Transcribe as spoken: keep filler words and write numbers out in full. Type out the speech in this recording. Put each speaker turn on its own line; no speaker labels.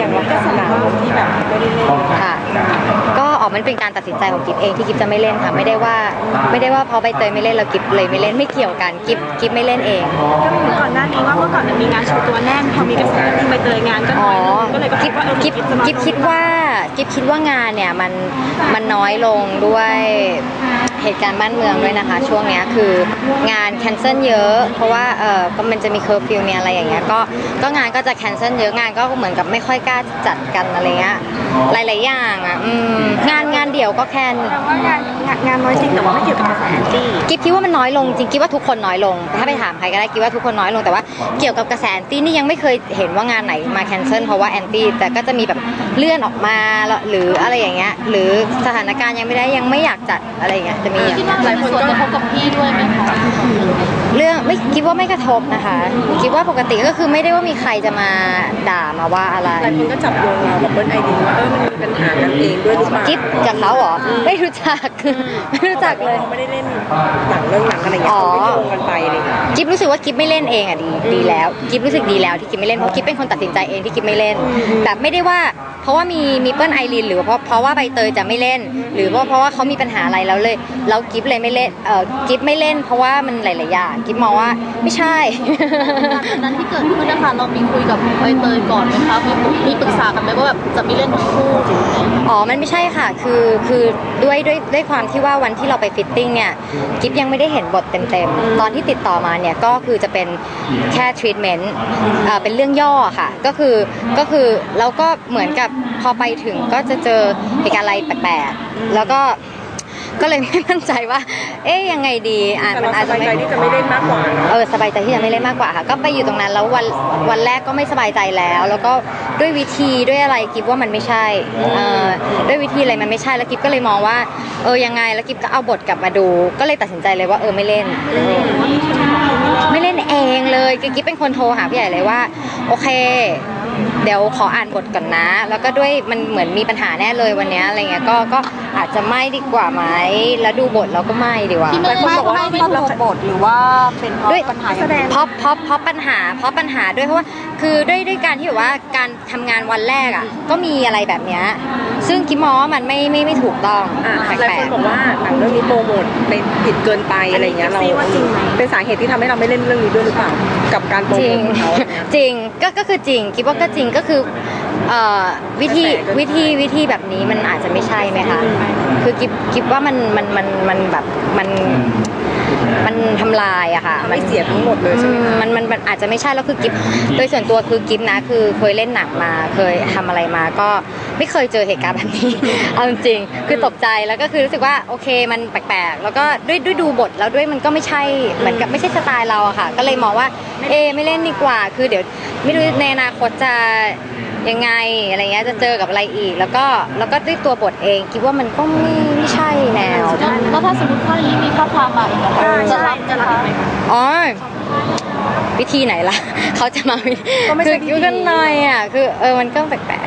อย่างว่ากระแสที่แบบไม่ได้เล่น
ค่ะก็ออกมันเป็นการตัดสินใจของกิฟเองที่กิฟจะไม่เล่นค่ะไม่ได้ว่าไม่ได้ว่าพอใบเตยไม่เล่นเรากิฟเลยไม่เล่นไม่เกี่ยวกันกิฟกิฟไม่เล่นเอง
ก็มีก่อนหน้านี้ว่าเมื่อก่อนมันมีงานโชว์ตัวแน่นพอมีกระแสที่ใบเตยงานก็น้อยลงก็เลยกิฟ
กิฟกิฟคิดว่ากิฟคิดว่างานเนี่ยมันมันน้อยลงด้วยเหตุการณ์บ้านเมืองด้วยนะคะช่วงนี้คืองานแคนเซิลเยอะเพราะว่าเออก็มันจะมีเคอร์ฟิวเนี่ยอะไรอย่างเงี้ยก็ก็งานก็จะแคนเซิลเยอะงานก็เหมือนกับไม่ค่อยกล้าจัดกันอะไรเงี้ยหลายๆอย่างอ่ะงานงานเดี่ยวก็แคน
แต่ว่างานงานน้อยจริงแต่ว่าไม่เกี่ยวกับกระแสแอนตี้
กิ๊บคิดว่ามันน้อยลงจริงกิ๊บว่าทุกคนน้อยลงถ้าไปถามใครก็ได้กิ๊บว่าทุกคนน้อยลงแต่ว่าเกี่ยวกับกระแสแอนตี้นี่ยังไม่เคยเห็นว่างานไหนมาแคนเซิลเพราะว่าแอนตี้แต่ก็จะมีแบบเลื่อนออกมาหรืออะไรอย่างเงี้ยหรือสถานการณ์ยังไม่ได้ยังไม่อยากจัดอะไรอย่างเงี้ยจะมี
หลายคนก็กระทบกับพี่ด้วยไหมคะ
เรื่องไม่คิดว่าไม่กระทบนะคะคิดว่าปกติก็คือไม่ได้ว่ามีใครจะมาด่ามาว่าอะไร
หลายคนก็จับโยงเราแบบเบิ้ลไอดินว่าเออมันมีปัญหากันเองด้วยหรือเปล่า
กิ๊บกับเขาเหรอไม่รู้จักไม่รู้จักเลย
เขาไม่ได้เล่นหนังเรื่องหนังอะไรอย่างเงี้ยเขาไม่โยงกันไปเลย
กิ๊บรู้สึกว่ากิ๊บไม่เล่นเองอ่ะดีดีแล้วกิ๊บรู้สึกดีแล้วที่กิ๊บไม่เล่นเพราะกิ๊บเป็นคนตัดสินใจเองที่กิ๊บไม่เล่นแต่ไม่ได้ว่าเพราะว่ามีมีเปิ้ลไอรินหรือเพราะเพราะว่าใบเตยจะไม่เล่นหรือว่าเพราะว่าเขามีปัญหาอะไรแล้วเลยแล้วกิ๊บเลยไม่เล่นเออกิ๊บไม่เล่นเพราะว่ามันหลายๆอย่างกิ๊บมองว่าไม่ใช่
นั้นที่เกิดขึ้นนะคะเรามีคุยกับใบเตยก่อนไหมคะมีมีปรึกษากันไหมว่าแบบจะไม่เล่นทั้งคู่
อ๋อมันไม่ใช่ค่ะคือคือด้วยด้วยด้วยความที่ว่าวันที่เราไปฟิตติ้งเนี่ยกิ๊บยังไม่ได้เห็นบทเต็มๆตอนที่ติดต่อมาเนี่ยก็คือจะเป็นแค่ทรีทเมนต์เอ่อเป็นเรื่องย่อค่ะก็คือก็คือแล้วก็เหมือนกับพอไปถึงก็จะเจอเหตุการณ์อะไรแปลกๆแล้วก็ก็เลยไม่มั่นใจว่าเอ๊ยยังไงดี
อ่ะมันอาจจะสบายใจที่จะไม่เล่นมากกว่า
เออสบายใจที่จะไม่เล่นมากกว่าค่ะก็ไปอยู่ตรงนั้นแล้ววันวันแรกก็ไม่สบายใจแล้วแล้วก็ด้วยวิธีด้วยอะไรกิฟว่ามันไม่ใช่เออด้วยวิธีอะไรมันไม่ใช่แล้วกิฟก็เลยมองว่าเออยังไงแล้วกิฟก็เอาบทกลับมาดูก็เลยตัดสินใจเลยว่าเออไม่เล่นไม่เล่นเองเลยกิฟเป็นคนโทรหาพี่ใหญ่เลยว่าโอเคเดี๋ยวขออ่านบทก่อนนะแล้วก็ด้วยมันเหมือนมีปัญหาแน่เลยวันนี้อะไรเงี้ยก็ก็อาจจะไม่ดีกว่าไหมแล้วดูบทเราก็ไม่ดีกว่า
ที่ไม่ไม่ไม่ไม่ถูกบทหรือว่าเป็นเพราะปัญหา
แสดงเพราะเพราะเพราะปัญหาเพราะปัญหาด้วยเพราะว่าคือด้วยด้วยการที่แบบว่าการทำงานวันแรกอ่ะก็มีอะไรแบบเนี้ยซึ่งคิดมองว่ามันไม่ไม่ไม่ถูกต้อง
หลายคนบอกว่าหนังเรื่องนี้โปรโมทเป็นผิดเกินไปอะไรเงี้ยเราเป็นสาเหตุที่ทำให้เราไม่เล่นเรื่องนี้ด้วยหรือเปล่ากับการโปรโมทของเขา
จริงก็ก็คือจริงคิดว่าก็จริงก็คือวิธีวิธีวิธีแบบนี้มันอาจจะไม่ใช่ไหมคะคือกิบกิบว่ามันมันมันมันแบบมันมันทำลายอะค่ะ
มันเสียทั้งหมดเลยใช่ไหม
มันมันอาจจะไม่ใช่แล้วคือกิฟโดยส่วนตัวคือกิฟนะคือเคยเล่นหนังมาเคยทำอะไรมาก็ไม่เคยเจอเหตุการณ์แบบนี้เอาจริงคือตกใจแล้วก็คือรู้สึกว่าโอเคมันแปลกๆแล้วก็ด้วยด้วยดูบทแล้วด้วยมันก็ไม่ใช่เหมือนกับไม่ใช่สไตล์เราอะค่ะก็เลยมองว่าเอไม่เล่นดีกว่าคือเดี๋ยวไม่รู้ในอนาคตจะยังไงอะไรเงี้ยจะเจอกับอะไรอีกแล้วก็แล้วก็ด้วยตัวบทเองคิดว่ามันก็ไม่ไม่ใช่แนว
แล้วถ้าสมมติว่านี้มีข้อความมาอีกจะรับจะรับไหม
อ๋อวิธีไหนล่ะเขาจะมาคือยุ่งกันหน่อยอ่ะคือเออมันก็แปลก